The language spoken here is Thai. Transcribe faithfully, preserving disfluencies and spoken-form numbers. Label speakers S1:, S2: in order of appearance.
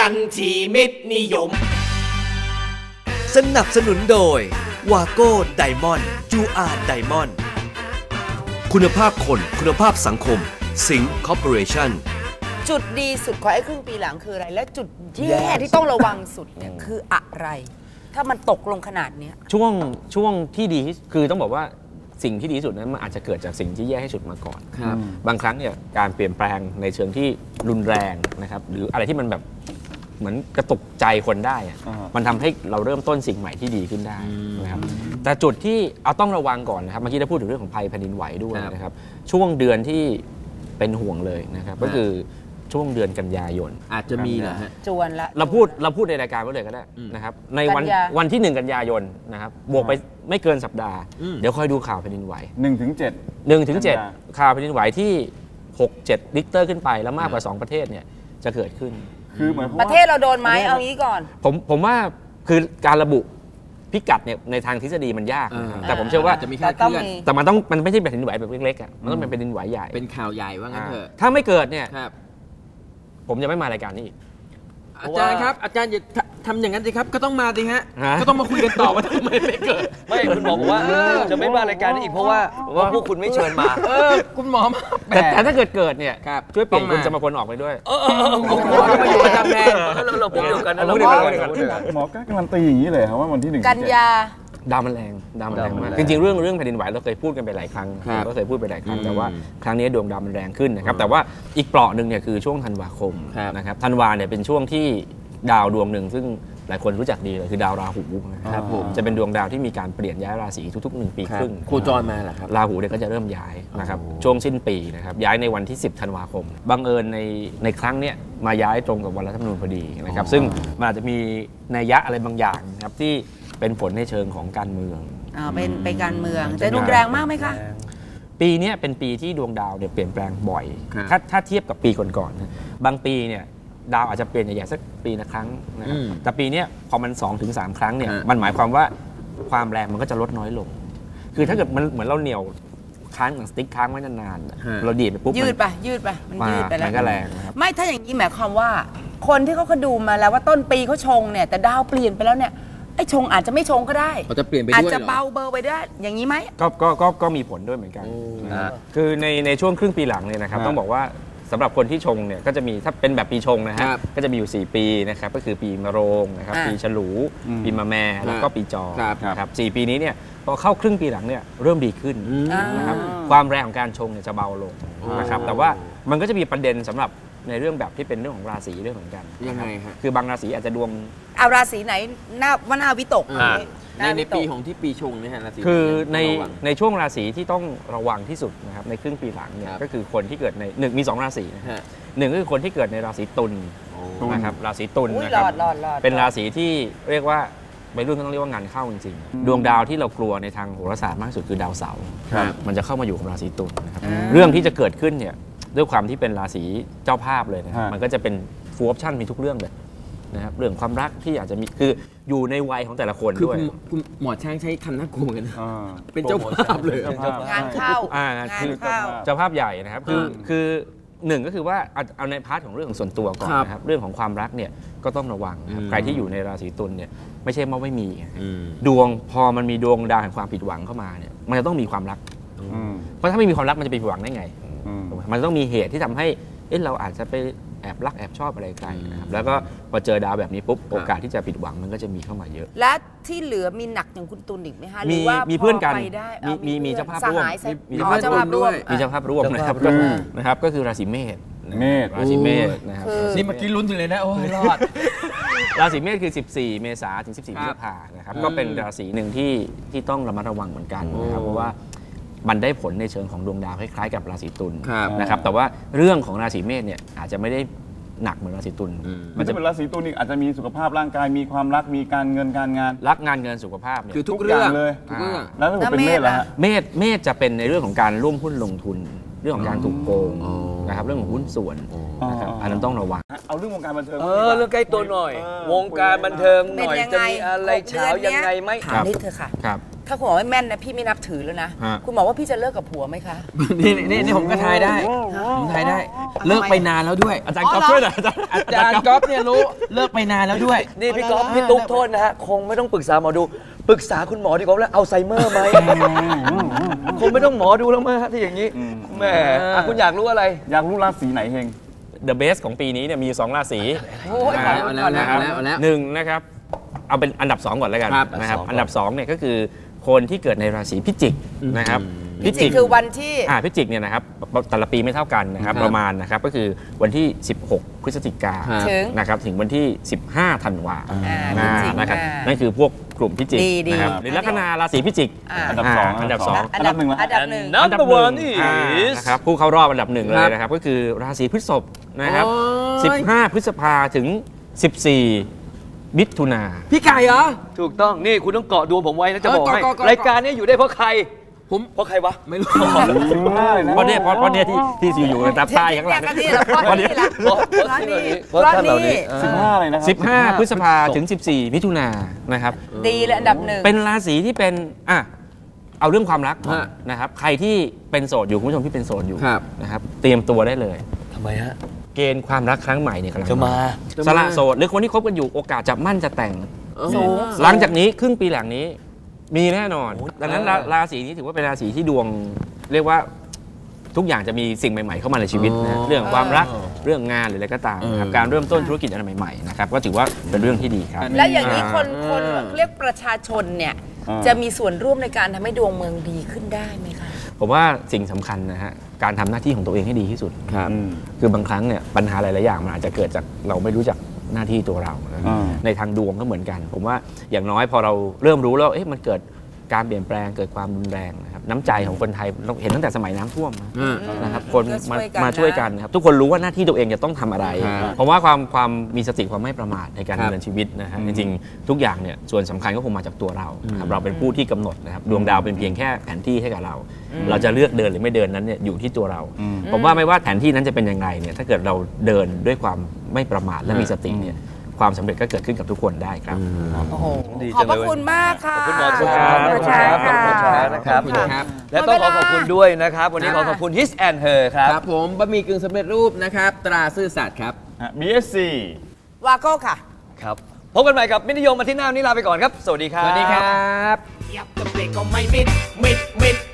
S1: กันที่มิตรนิยม
S2: สนับสนุนโดยวาโก้ไดมอนด์จูอาร์ไดมอนด์คุณภาพคนคุณภาพสังคมสิงห์คอร์ปอเรชั่น
S3: จุดดีสุดของไอ้ครึ่งปีหลังคืออะไรและจุดแย่ที่ต้องระวังสุดเนี่ยคืออะไรถ้ามันตกลงขนาดนี้
S4: ช่วงช่วงที่ดีคือต้องบอกว่าสิ่งที่ดีที่สุดนั้นมันอาจจะเกิดจากสิ่งที่แย่ที่สุดมาก่อนบางครั้งเนี่ยการเปลี่ยนแปลงในเชิงที่รุนแรงนะครับหรืออะไรที่มันแบบเหมือนกระตุกใจคนได้มันทำให้เราเริ่มต้นสิ่งใหม่ที่ดีขึ้นได้นะครับแต่จุดที่เอาต้องระวังก่อนนะครับเมื่อกี้ได้พูดถึงเรื่องของภัยแผ่นดินไหวด้วยนะครับช่วงเดือนที่เป็นห่วงเลยนะครับก็คือช่วงเดือนกันยายน
S5: อาจจะมีเหรอฮะ
S3: จวนละ
S4: เราพูดเราพูดในรายการไว้เลยก็ได้นะครับในวันวันที่หนึ่งกันยายนนะครับบวกไปไม่เกินสัปดาห์เดี๋ยวค่อยดูข่าวแผ่นดินไหว
S6: หนึ่งถึงเจ็ด
S4: หนึ่งถึงเจ็ดข่าวแผ่นดินไหวที่หก เจ็ดริกเตอร์ขึ้นไปแล้วมากกว่าสองประเทศเนี่ยจะเกิดขึ้น
S6: คือเหมือน
S3: ประเทศเราโดนไหมเอางี้ก่อน
S4: ผมผมว่าคือการระบุพิกัดเนี่ยในทางทฤษฎีมันยากแต่ผมเชื่อว่า
S5: จะมีแค่เคลื่อน
S4: แต่มันต้องมันไม่ใช่แผ่นดินไหวแบบเล็กๆอ่ะมันต้องเป็นแผ่นดินไหวใหญ่
S5: เป็นข่าวใหญ่ว่างั้นเถอะ
S4: ถ้าไม่เกิดเนี่ยผมจะไม่มารายการนี้อีก
S5: อาจารย์ครับอาจารย์อย่าทำอย่างนั้นสิครับก็ต้องมาสิฮะก็ต้องมาคุยกันต่อว่าทำไมไม่เกิด
S2: ไม่คุณหมอบอกว่าจะไม่มารายการนี้อีกเพราะว่าพวกคุณไม่เชิญมา
S5: เออคุณหมอมา
S4: แต่ถ้าเกิดเกิดเนี่ยช่วยเปลี่ยนคุณจะมาคนออกไปด้วย
S2: เออคุณหมอจะมาอยู่ประจำแทนเราพูดเดียวกันนะเราพูดเดียวกัน
S6: หมอก็การันตีอย่างนี้เลยครับว่าวันที่หนึ่ง
S3: กันยา
S4: ดาวมันแรงดาวมันแรงมากจริงๆเรื่องเรื่องแผ่นดินไหวเราเคยพูดกันไปหลายครั้งก็เคยพูดไปหลายครั้งแต่ว่าครั้งนี้ดวงดาวมันแรงขึ้นนะครับแต่ว่าอีกเปราะหนึ่งเนี่ยคือช่วงธันวาคมนะครับธันวาเนี่ยเป็นช่วงที่ดาวดวงหนึ่งซึ่งหลายคนรู้จักดีเลยคือดาวราหูนะครับจะเป็นดวงดาวที่มีการเปลี่ยนย้ายราศีทุกๆหนึ่งปีครึ่ง
S5: โคจรมาเหรอครับ
S4: ราหูเนี่ยก็จะเริ่มย้ายนะครับช่วงสิ้นปีนะครับย้ายในวันที่สิบธันวาคมบังเอิญในในครั้งเนี้ยมาย้ายตรงกับวันรัฐธรรมนูญพอดีนะครับซึ่งมันอาจจะมีนัยยะอะไรบางอย่างนะครับที่เป็นผลในเชิงของการเมือง
S3: อ่าเป็นไปการเมืองจะรุนแรงมากไหมคะ
S4: ปีนี้เป็นปีที่ดวงดาวเนี่ยเปลี่ยนแปลงบ่อยถ้าถ้าเทียบกับปีก่อนๆนะบางปีเนี่ยดาวอาจจะเปลี่ยนใหญ่ๆสักปีละครั้งนะครับแต่ปีนี้พอมัน สองถึงสาม ครั้งเนี่ยมันหมายความว่าความแรงมันก็จะลดน้อยลงคือถ้าเกิดมันเหมือนเราเหนี่ยวค้างหนังสติ๊กค้างไว้นานๆเราดีดไปปุ๊บ
S3: ยืดไปยืดไปมันยืดไปแล้ว
S4: มันก็แรงนะครับ
S3: ไม่ถ้าอย่างนี้หมายความว่าคนที่เขาเขาดูมาแล้วว่าต้นปีเขาชงเนี่ยแต่ดาวเปลี่ยนไปแล้วเนี่ยไอ้ชงอาจจะไม่ชงก็ได้
S5: อาจจะเปลี่ยนไปด้วย
S3: อาจจะเบาเบอร์ไปได้อย่างนี้ไหม
S4: ก็ก็ก็ก็มีผลด้วยเหมือนกันคือในในช่วงครึ่งปีหลังเนี่ยนะครับต้องบอกว่าสำหรับคนที่ชงเนี่ยก็จะมีถ้าเป็นแบบปีชงนะฮะก็จะมีอยู่สี่ปีนะครับก็คือปีมะโรงนะครับปีฉลูปีมะแม่แล้วก็ปีจอครับสี่ปีนี้เนี่ยพอเข้าครึ่งปีหลังเนี่ยเริ่มดีขึ้นนะครับความแรงของการชงเนี่ยจะเบาลงนะครับแต่ว่ามันก็จะมีประเด็นสำหรับในเรื่องแบบที่เป็นเรื่องของราศีเรื่องเหมือนกัน
S5: ยังไงฮะ
S4: คือบางราศีอาจจะดวง
S3: เอาราศีไหนหน้าว่าหน้าวิตก
S5: ในในปีของที่ปีชงเนี่ยฮะราศี
S4: คือในในช่วงราศีที่ต้องระวังที่สุดนะครับในครึ่งปีหลังเนี่ยก็คือคนที่เกิดในหนึ่งมีสองราศีนะหนึ่งก็คือคนที่เกิดในราศีตุลนะครับราศีตุลนะครับเป็นราศีที่เรียกว่าไปรุ่นต้องเรียกว่างานเข้าจริงๆดวงดาวที่เรากลัวในทางโหราศาสตร์มากสุดคือดาวเสาร์มันจะเข้ามาอยู่กับราศีตุลนะครับเรื่องที่จะเกิดขึ้นเนี่ยด้วยความที่เป็นราศีเจ้าภาพเลยนะครับมันก็จะเป็นฟูลออปชั่นมีทุกเรื่องเลยนะครับเรื่องความรักที่อาจจะมีคืออยู่ในวัยของแต่ละคนด้วย
S5: คุณหมอช้างใช้คำน่ากลัวเหมือนกันเป็นเจ้าภาพเลย
S3: งานเข้า
S4: อ่าคือเจ้าภาพใหญ่นะครับคือคือหนึ่งก็คือว่าเอาในพาร์ทของเรื่องส่วนตัวก่อนนะครับเรื่องของความรักเนี่ยก็ต้องระวังนะครับใครที่อยู่ในราศีตุลเนี่ยไม่ใช่ว่าไม่มีดวงพอมันมีดวงดาวแห่งความผิดหวังเข้ามาเนี่ยมันจะต้องมีความรักเพราะถ้าไม่มีความรักมันจะไปผิดหวังได้ไงมันต้องมีเหตุที่ทำให้เอ๊ะเราอาจจะไปแอบรักแอบชอบอะไรใครนะครับแล้วก็พอเจอดาวแบบนี้ปุ๊บโอกาสที่จะผิดหวังมันก็จะมีเข้ามาเยอะ
S3: และที่เหลือมีหนักอย่างคุณตุลอีกไหมคะ
S4: มีมีเพื่อนกันมีมีเจ้าภาพร่วม
S3: มีเจ้าภาพร่วม
S4: มีเจ้าภาพร่วมนะครับนะครับก็คือราศีเมษ
S6: เมษ
S4: ราศีเมษนะครับ
S5: นี่เมื่อกี้ลุ้นถึงเลยนะโอ้ยรอด
S4: ราศีเมษคือสิบสี่เมษายนถึงสิบสี่พฤษภาคมนะครับก็เป็นราศีหนึ่งที่ที่ต้องระมัดระวังเหมือนกันนะครับเพราะว่ามันได้ผลในเชิงของดวงดาวคล้ายๆกับราศีตุลนะครับแต่ว่าเรื่องของราศีเมษเนี่ยอาจจะไม่ได้หนักเหมือนราศีตุล
S6: มันจะเป็นราศีตุลนี่อาจจะมีสุขภาพร่างกายมีความรักมีการเงินการงาน
S4: รักงานเงินสุขภาพเนี่ย
S5: คือทุกเรื่อง
S6: เลย
S5: ทุกเรื่อง
S6: แล้วถ้าเป็นเมษล่ะ
S4: เมษเมษจะเป็นในเรื่องของการร่วมหุ้นลงทุนเรื่องของการถูกโกงนะครับเรื่องของหุ้นส่วนนะครับอันนั้นต้องระวัง
S6: เอาเรื่องวงการบันเทิง
S2: เออเรื่องใกล้ตัวหน่อยวงการบันเทิงหน่อยจะมีอะไรเช้ายังไงไหม
S3: ถามนิดเถอะค่ะถ้าคุณหมอไม่แม่นนะพี่ไม่นับถือแล้วนะคุณหมอว่าพี่จะเลิกกับผัวไหมคะ
S5: นี่นี่นี่ผมก็ทายได้ผมทายได้เลิกไปนานแล้วด้วย
S4: อาจารย์ก๊อฟช่วยหน่อย
S5: อาจารย์ก๊อฟเนี่ยรู้เลิกไปนานแล้วด้วย
S2: นี่พี่ก๊อฟพี่ตุ๊กโทษนะฮะคงไม่ต้องปรึกษาหมอดูปรึกษาคุณหมอดีกว่าแล้วอัลไซเมอร์ไหมคงไม่ต้องหมอดูแล้วมั้งที่อย่างนี้แหมคุณอยากรู้อะไร
S6: อยากรู้ราศีไหนเฮง
S4: The Best ของปีนี้เนี่ยมีสองราศีนะครับหนึ่งนะครับเอาเป็นอันดับสองก่อนแล้วกันนะครับอันดับสองเนี่ยก็คือคนที่เกิดในราศีพิจิกนะครับ
S3: พิจิกคือวันที่
S4: อ่าพิจิกเนี่ยนะครับแต่ละปีไม่เท่ากันนะครับประมาณนะครับก็คือวันที่สิบหกพฤศจิกายนนะครับถึงวันที่สิบห้าธันวาคมนะครับนั่นคือพวกกลุ่มพิจิกนะครับหรือลัคนาราศีพิจิก
S6: อันดับสอง
S4: อันดับสอง
S6: อันดับหนึ่ง
S3: อันดับหนึ่ง
S2: อันดับหนึ่ง
S4: นะครับผู้เข้ารอบอันดับหนึ่งเลยนะครับก็คือราศีพฤษภนะครับสิบห้าพฤษภาถึงสิบสี่มิถุนา
S5: พี่ไก่เหรอ
S2: ถูกต้องนี่คุณต้องเกาะดวงผมไว้นะจะบอกให้รายการนี้อยู่ได้เพราะใครผมเพราะใครวะ
S5: ไม่รู้
S4: เพราะเนี่ยเพราะเพราะเนี่ยที่ที่อยู่ในตาใต้ข้างหลัง
S3: เพราะนี่เพราะท่านเหล่านี้
S6: สิบห้าเลยนะครับ
S4: สิบห้าพฤษภาถึงสิบสี่มิถุนานะครับ
S3: ดีเลยอันดับหนึ่ง
S4: เป็นราศีที่เป็นอ่ะเอาเรื่องความรักนะครับใครที่เป็นโสดอยู่คุณผู้ชมที่เป็นโสดอยู่นะครับเตรียมตัวได้เลย
S2: ทำไมฮะ
S4: เกณฑ์ความรักครั้งใหม่เนี่ยกำลัง
S2: จะมา
S4: สละโสดหรือคนที่คบกันอยู่โอกาสจะมั่นจะแต่งหลังจากนี้ครึ่งปีหลังนี้มีแน่นอนดังนั้นราศีนี้ถือว่าเป็นราศีที่ดวงเรียกว่าทุกอย่างจะมีสิ่งใหม่ๆเข้ามาในชีวิตนะเรื่องความรักเรื่องงานหรืออะไรก็ตามนะครับการเริ่มต้นธุรกิจอะไรใหม่ๆนะครับก็ถือว่าเป็นเรื่องที่ดีครับ
S3: และอย่างนี้คนคนเรียกประชาชนเนี่ยจะมีส่วนร่วมในการทำให้ดวงเมืองดีขึ้นได้ไหมคะ
S4: ผมว่าสิ่งสำคัญนะฮะการทำหน้าที่ของตัวเองให้ดีที่สุดคือบางครั้งเนี่ยปัญหาหลายๆอย่างมันอาจจะเกิดจากเราไม่รู้จักหน้าที่ตัวเราในทางดวงก็เหมือนกันผมว่าอย่างน้อยพอเราเริ่มรู้แล้วเอ๊ะมันเกิดการเปลี่ยนแปลงเกิดความรุนแรงนะครับน้ำใจของคนไทยเราเห็นตั้งแต่สมัยน้ำท่วมนะครับคนมามาช่วยกันนะครับทุกคนรู้ว่าหน้าที่ตัวเองจะต้องทำอะไรเพราะว่าความความมีสติความไม่ประมาทในการดำเนินชีวิตนะฮะจริงๆทุกอย่างเนี่ยส่วนสำคัญก็คงมาจากตัวเราครับเราเป็นผู้ที่กำหนดนะครับดวงดาวเป็นเพียงแค่แผนที่ให้กับเราเราจะเลือกเดินหรือไม่เดินนั้นเนี่ยอยู่ที่ตัวเราผมว่าไม่ว่าแผนที่นั้นจะเป็นยังไงเนี่ยถ้าเกิดเราเดินด้วยความไม่ประมาทและมีสติเนี่ยความสำเร็จก็เกิดขึ้นกับทุกคนได้ครับ
S3: โอ้โหขอบพระคุณมากค่ะ
S2: ขอบคุณหมอครับขอบคุณครับนะครับและต้องขอขอบคุณด้วยนะครับวันนี้ขอขอบคุณ His and Her ครับ
S5: ครับผมบะหมี่กึ่งสำเร็จรูปนะครับตราซื่อสัตย์ครับ
S6: บี เอส ซี
S3: วาโก้ค่ะ
S2: ครับพบกันใหม่กับมิตรนิยมมาที่หน้านี้ลาไปก่อนครับสวัสดีครับ
S5: สวัสดีครับ
S1: ยับกับเบรกก็ไม่มิดมิดมิด